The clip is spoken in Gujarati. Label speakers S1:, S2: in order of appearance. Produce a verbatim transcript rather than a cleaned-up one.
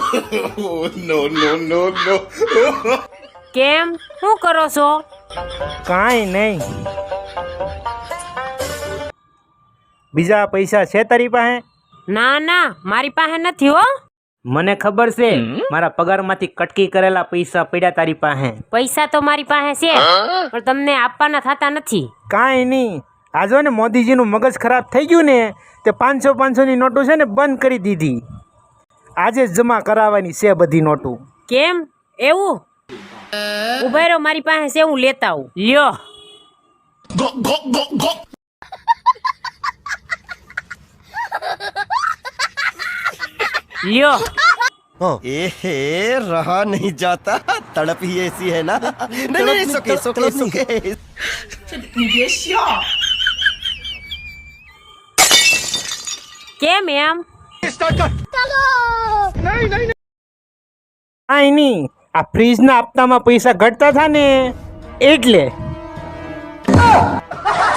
S1: नो नो नो नो
S2: કેમ શું કરો છો?
S3: કાંઈ નહીં. બીજા પૈસા છે તારી પાસે?
S2: ના ના મારી પાસે નથી હો.
S3: મને ખબર છે, મારા પગારમાંથી કટકી કરેલા પૈસા પડ્યા તારી પાસે.
S2: પૈસા તો મારી પાસે છે પણ તમને આપવાના થતા નથી.
S3: કાંઈ નહીં, આ જો ને મોદીજીનું મગજ ખરાબ થઈ ગયું ને તે પાંચસો પાંચસોની નોટો છે ને બંધ કરી દીધી. આજે જ જમા કરાવવાની છે બધી નોટો.
S2: કેમ એવું? ઉભા રહો, મારી પાસે છે, હું લેતા આવું. લ્યો. લ્યો.
S4: एहे रहा नहीं जाता, तड़प ही ऐसी है ना. नहीं नहीं सुके सुके सुके.
S2: કેમ એમ?
S3: કાંઈ નહીં, આ ફ્રીજના હપ્તામાં પૈસા ઘટતા હતા ને એટલે.